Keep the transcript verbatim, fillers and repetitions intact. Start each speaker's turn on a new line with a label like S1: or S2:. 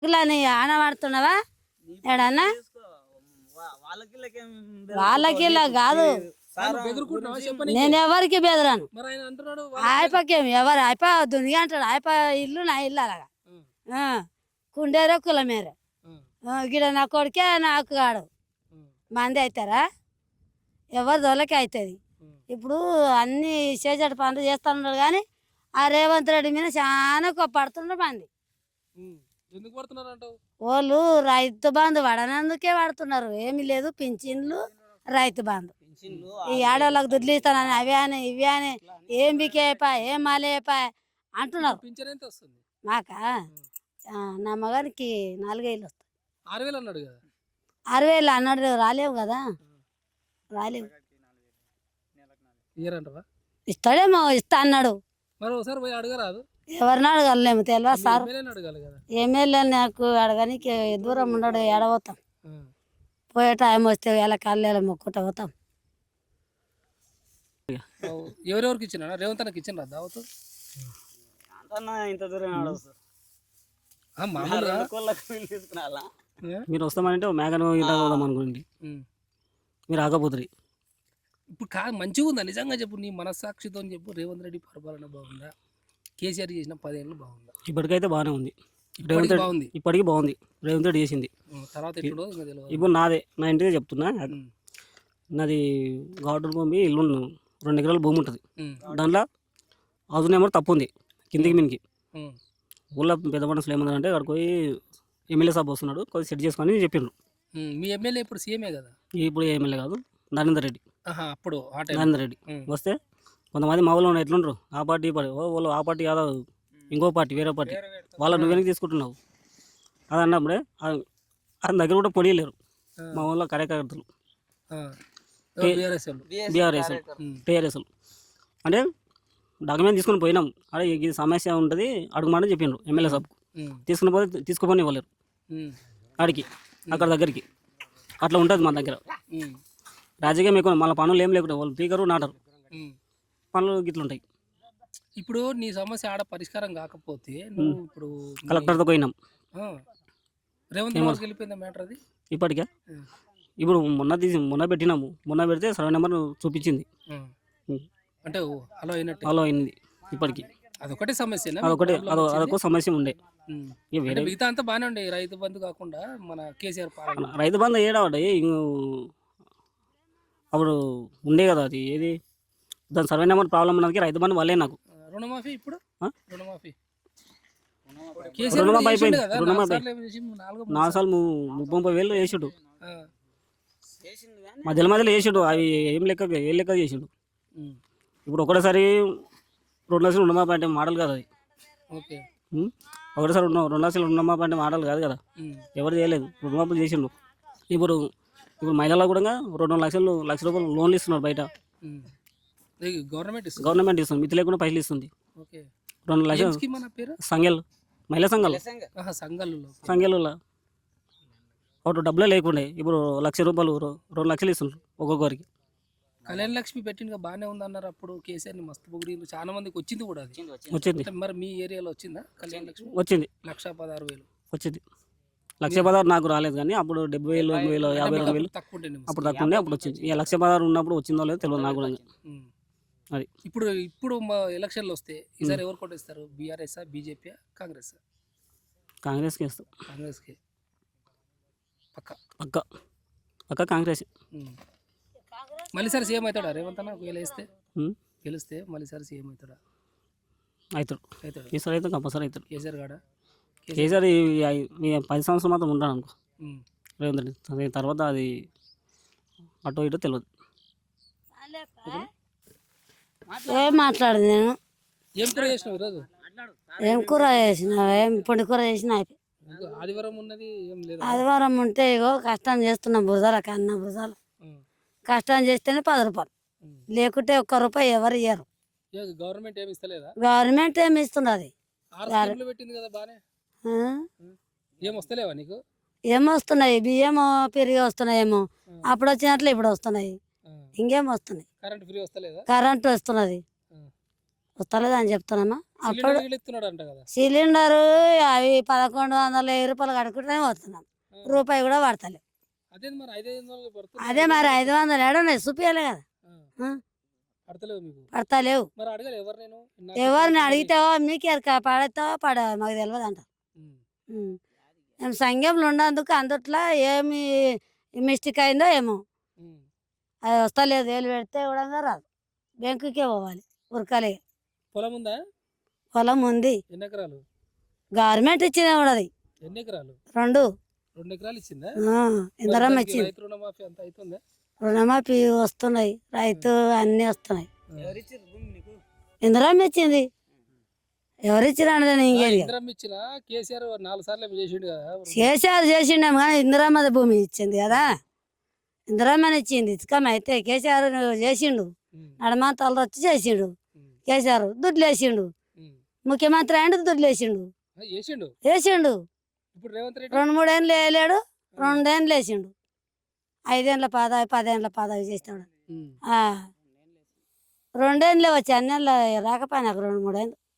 S1: అని ఆనవాడుతున్నావా ఏడన్నా వాళ్ళకి ఇలా కాదు నేను ఎవరికి బెదరాను ఆయపకేం ఎవరు అయిపో దునిగా అంటాడు అయిప ఇల్లు నా ఇల్లు అలాగా కుండేరో కులమేరే గిడ నా కొడుకే నాకు కాడు మంది అవుతారా ఎవరు దొలకి అవుతుంది ఇప్పుడు అన్ని చేసేట పనులు చేస్తున్నారు కానీ ఆ రేవంత్ రెడ్డి మీద చాలా పడుతున్నారు మంది వాళ్ళు రైతు బంధు పడనందుకే పడుతున్నారు ఏమి లేదు పింఛన్లు రైతు బంధు ఈ ఆడవాళ్ళకి దుడ్లు ఇస్తానని అవి అని ఇవి అని ఏం బికేపా ఏం మాలేపా అంటున్నారు మాకా నా మగానికి నాలుగేళ్ళు వస్తాయి ఆరు వేలు అన్నాడు రాలేవు కదా రాలేవు ఇస్తాడేమో ఇస్తా అన్నాడు ఎవరిని అడగలేము తెలియదు సార్ ఎమ్మెల్యే నాకు అడగనికి దూరం ఉన్నాడు ఏడవతాం పోయే టైం వస్తే ఎలా కళ్ళు మొక్కుంటా పోతాం
S2: ఎవరెవరికి ఇచ్చిన రేవంత్ అన్నకి ఇచ్చిన దావత్
S3: ఇంత దూరం
S4: మీరు వస్తామంటే మేఘన పోదాం అనుకోండి మీరు ఆగపోతుంది
S2: ఇప్పుడు కా మంచిగా ఉందా నిజంగా చెప్పు నీ మనస్సాక్షితో చెప్పు రేవంత్ రెడ్డి పరిపాలన బాగుందా కేసీఆర్ చేసిన పదేళ్ళు బాగుందా
S4: ఇప్పటికైతే బాగానే ఉంది రేవంత్ రెడ్డి బాగుంది ఇప్పటికీ బాగుంది రేవంత్ రెడ్డి చేసింది
S2: తర్వాత ఎప్పుడో
S4: ఇప్పుడు నాదే నా ఇంటిదే చెప్తున్నా నాది గార్డెన్ భూమి ఇల్లు రెండు ఎకరాల భూమి ఉంటుంది దాంట్లో హౌస్ నెంబర్ తప్పు ఉంది కిందికి మీనికి ఊళ్ళో పెద్ద మనుషులు ఏమన్నారంటే అక్కడికి పోయి ఎమ్మెల్యే సాబ్ వస్తున్నాడు కొద్దిగా సెట్ చేసుకొని చెప్పిండ్రు
S2: మీ ఎమ్మెల్యే ఇప్పుడు సీఎంఏ కదా
S4: ఇప్పుడు ఎమ్మెల్యే కాదు నరేందర్ రెడ్డి
S2: అప్పుడు
S4: నరేందర్ రెడ్డి వస్తే కొంతమంది మా ఊళ్ళో ఎట్లుండ్రు ఆ పార్టీ ఈ పార్టీ ఓ వాళ్ళు ఆ పార్టీ కాదు ఇంకో పార్టీ వేరే పార్టీ వాళ్ళ నువ్వు వెనక్కి తీసుకుంటున్నావు అది అన్నప్పుడే ఆయన దగ్గర కూడా పొడియలేరు మా ఊళ్ళో కార్యకర్తలు బీఆర్ఎస్ టీఆర్ఎస్లు అంటే డాక్యుమెంట్ తీసుకుని పోయినాం అదే ఇది సమస్య ఉంటుంది అడుగుమాటని చెప్పిండ్రు ఎమ్మెల్యే సాబ్కు తీసుకుని పోతే తీసుకుపోని ఇవ్వలేరు ఆడికి అక్కడ దగ్గరికి అట్లా ఉంటుంది మా దగ్గర రాజకీయం ఎక్కువ మళ్ళీ పనులు ఏం లేకుండా వాళ్ళు పీకరు నాటరు పనులు గిట్ల ఉంటాయి.
S2: ఇప్పుడు నీ సమస్య ఆడ పరిష్కారం కాకపోతే నువ్వు ఇప్పుడు
S4: కలెక్టర్తో పోయినాం
S2: రేవంత్ రెడ్డికి వెళ్ళిపోయిందా మ్యాటర్ అది
S4: ఇప్పటికే ఇప్పుడు మొన్న తీసి మొన్న పెట్టినాము మొన్న పెడితే సర్వే నెంబర్ చూపించింది
S2: అంటే హలో అయినట్టు
S4: హలో అయింది ఇప్పటికి
S2: అదొకటే సమస్య
S4: అదొకటి అదో అదొక సమస్య ఉండే
S2: మిగతా అంతా బాగానే ఉండే రైతు బంధు కాకుండా మన కేసీఆర్ పాలన
S4: రైతు బంధు ఏడావాడే అప్పుడు ఉండే కదా అది ఏది దాని సర్వే నెంబర్ ప్రాబ్లం ఉన్నది రైతు బంధు వల్లే నాకు
S2: రుణమాఫీ ఇప్పుడు రుణమాఫీ
S4: రుణమాఫీ అయిపోయింది రుణమాఫీ నాలుగు సార్లు ముప్పై ముప్పై వేలు వేసాడు మధ్యలో మధ్యలో వేసాడు అవి ఏం లెక్క ఏ లెక్క చేసాడు ఇప్పుడు ఒకటేసారి రెండు లక్షలు రుణమాఫీ అంటే మోడల్ కదా అది
S2: ఓకే
S4: ఒకటేసారి రెండు లక్షలు రుణమాఫీ అంటే మోడల్ కాదు కదా ఎవరు చేయలేదు రుణమాఫీ చేసిండు ఇప్పుడు ఇప్పుడు మహిళలకు కూడా రెండు లక్షలు లక్ష రూపాయలు లోన్లు ఇస్తున్నారు బయట
S2: గవర్నమెంట్
S4: గవర్నమెంట్ ఇస్తుంది మితి లేకుండా పైసలు ఇస్తుంది రెండు లక్షలు సంఘాలు మహిళా సంఘాలు సంఘాలలో ఒకటి డబ్బులే లేకుండే ఇప్పుడు లక్ష రూపాయలు రెండు లక్షలు ఇస్తున్నారు ఒక్కొక్కరికి
S2: కళ్యాణ లక్ష్మి పెట్టిన బాగానే ఉంది అన్నారు అప్పుడు కేసీఆర్ ని మస్తు పొగిడి చాలా మందికి వచ్చింది కూడా అది
S4: వచ్చింది
S2: మరి మీ ఏరియాలో వచ్చిందా కళ్యాణ లక్ష్మి
S4: వచ్చింది
S2: లక్ష పదహారు వేలు
S4: వచ్చింది లక్ష పదహారు నాకు రాలేదు కానీ అప్పుడు డెబ్బై వేలు ఎనభై వేలు యాభై రెండు వేలు అప్పుడు తక్కువ ఉండే అప్పుడు వచ్చింది ఇక లక్ష పదహారు ఉన్నప్పుడు వచ్చిందో లేదో తెలియదు నాకు కూడా అది
S2: ఇప్పుడు ఇప్పుడు మా ఎలక్షన్లు వస్తే ఈసారి ఎవరు కొట్టేస్తారు బీఆర్ఎస్ బీజేపీ కాంగ్రెస్
S4: కాంగ్రెస్కి వేస్తాం
S2: కాంగ్రెస్కి పక్క
S4: పక్క పక్క కాంగ్రెస్
S2: మళ్ళీ సార్ సీఎం అవుతాడా రేవంత్ అన్న గెలిస్తే గెలిస్తే మళ్ళీ సార్ సీఎం అవుతాడా
S4: అవుతాడు అవుతాడు ఈసారి అయితే కంపల్సరీ అవుతాడు
S2: కేసీఆర్ కాడా
S4: కేసీఆర్ పది సంవత్సరం మాత్రం ఉంటాను అనుకో రేవంత్ రెడ్డి తర్వాత అది అటో ఇటో తెలియదు
S1: ఏం మాట్లాడదు నేను
S2: ఏం కూర చేసినావు ఈరోజు
S1: ఏం కూర చేసిన ఏం పొడి కూర చేసిన
S2: ఆదివారం ఉన్నది ఏం లేదు
S1: ఆదివారం ఉంటే ఇగో కష్టం చేస్తున్నా బురదల కన్నా బురదలు కష్టం చేస్తేనే పది రూపాయలు లేకుంటే ఒక్క రూపాయి ఎవరు ఇయ్యరు
S2: గవర్నమెంట్ ఏమి ఇస్తలేదా
S1: గవర్నమెంట్ ఏమి ఇస్తున్నది
S2: పెట్టింది కదా బానే ఏం వస్తలేవా నీకు
S1: ఏమొస్తున్నాయి బియ్యం పెరిగి వస్తున్నాయేమో అప్పుడు వచ్చినట్లు ఇప్పుడు వస్తున్నాయి ఇంకేం వస్తున్నాయి
S2: కరెంట్ ఫ్రీ వస్తలేదా
S1: కరెంట్ వస్తున్నది వస్తలేదు అని చెప్తున్నామా. అప్పుడు
S2: సిలిండర్ ఇస్తున్నాడు అంట కదా.
S1: సిలిండరు అవి పదకొండు వందల వెయ్యి రూపాయలు కడుక్కుంటూనే వస్తున్నాం, రూపాయి కూడా పడతలేదు.
S2: అదే మరి ఐదు ఐదు వందలు పడుతుంది.
S1: అదే మరి ఐదు వందలు ఏడున్నాయి చూపించాలి కదా. ఆ,
S2: పడతలేవు మీకు.
S1: పడతలేవు.
S2: మరి అడగలే ఎవరు నేను
S1: ఎవరిని అడిగితేవో మీకు ఎరక పడతావో పడ మాకు తెలియదు అంట. మేము సంఘంలో ఉన్నందుకు అందుట్లో ఏమి మిస్టేక్ అయిందో ఏమో, అది వస్తలేదు. వేలు పెడితే కూడా రాదు, బ్యాంకుకే పోవాలి ఉరకాలి.
S2: పొలం ఉందా?
S1: పొలం ఉంది.
S2: ఎన్ని ఎకరాలు?
S1: గవర్నమెంట్ ఇచ్చింది కూడా అది.
S2: ఎన్ని ఎకరాలు?
S1: రెండు
S2: రెండు ఎకరాలు ఇచ్చిందా?
S1: ఇందరం ఇచ్చింది.
S2: రైతు రుణమాఫీ అంత అవుతుందా?
S1: రుణమాఫీ వస్తున్నాయి, రైతు అన్ని వస్తున్నాయి. ఇందరం ఇచ్చింది. ఎవరు ఇచ్చిరా ఇంకేది
S2: ఇందిరమ్మ ఇచ్చిన కేసీఆర్ నాలుగు సార్లు ఏమో చేసిండు కదా.
S1: కేసీఆర్ చేసిండేమో కానీ ఇందిరమ్మ భూమి ఇచ్చింది కదా, ఇందిరమ్మని ఇచ్చింది. ఇసుకమ్మ అయితే కేసీఆర్ చేసిండు, నడమా తల వచ్చి చేసిండు. కేసీఆర్ దుడ్లు వేసిండు, ముఖ్యమంత్రి అయిండు దుడ్లు వేసిండు
S2: చేసిండు
S1: వేసిండు.
S2: ఇప్పుడు రేవంత్ రెడ్డి
S1: రెండు మూడేళ్ళు వేయలేడు, రెండేళ్ళు వేసిండు. ఐదేళ్ళ పదవి పదేళ్ళ పదవి చేస్తాడు. రెండేళ్ళే వచ్చి అన్నేళ్ళు రాకపోయినా రెండు మూడేళ్ళు